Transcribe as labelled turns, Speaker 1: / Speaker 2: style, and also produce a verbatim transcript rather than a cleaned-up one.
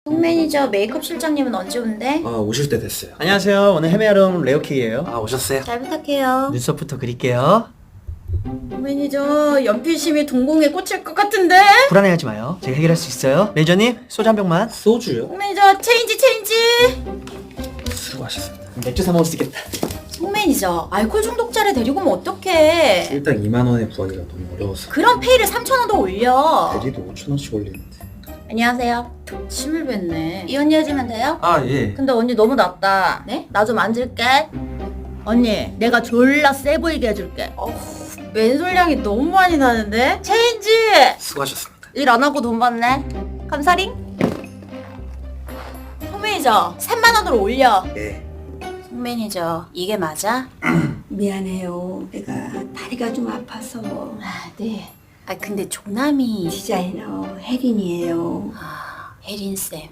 Speaker 1: 송 매니저 메이크업 실장님은 언제 온대?
Speaker 2: 아 오실 때 됐어요.
Speaker 3: 안녕하세요. 오늘 헤메아로 온 레오케이예요.
Speaker 2: 아 오셨어요?
Speaker 1: 잘 부탁해요.
Speaker 3: 눈썹부터 그릴게요.
Speaker 1: 송 매니저 연필심이 동공에 꽂힐 것 같은데?
Speaker 3: 불안해하지 마요. 제가 해결할 수 있어요. 매니저님 소주 한 병만.
Speaker 2: 소주요?
Speaker 1: 송 매니저 체인지 체인지!
Speaker 2: 수고하셨습니다.
Speaker 3: 맥주 사 먹을 수 있겠다.
Speaker 1: 송 매니저 알코올 중독자를 데리고 오면 어떡해?
Speaker 2: 일당 이만 원에 구하기가 너무 어려워서
Speaker 1: 그럼 페이를 삼천 원 더 올려.
Speaker 2: 대리도 오천 원씩 올리는데.
Speaker 1: 안녕하세요. 침을 뱉네. 이 언니 해주면 돼요?
Speaker 2: 아 예.
Speaker 1: 근데 언니 너무 낮다. 네? 나 좀 앉을게. 언니, 내가 졸라 세 보이게 해줄게. 어후, 맨솔량이 너무 많이 나는데? 체인지!
Speaker 2: 수고하셨습니다.
Speaker 1: 일 안 하고 돈 받네. 감사링. 송 매니저, 삼만 원으로 올려.
Speaker 2: 예.
Speaker 1: 송 매니저, 이게 맞아?
Speaker 4: 미안해요. 내가 다리가 좀 아파서.
Speaker 1: 아, 네. 아, 근데 조남이.
Speaker 4: 디자이너 혜린이에요.
Speaker 1: 아, 혜린쌤.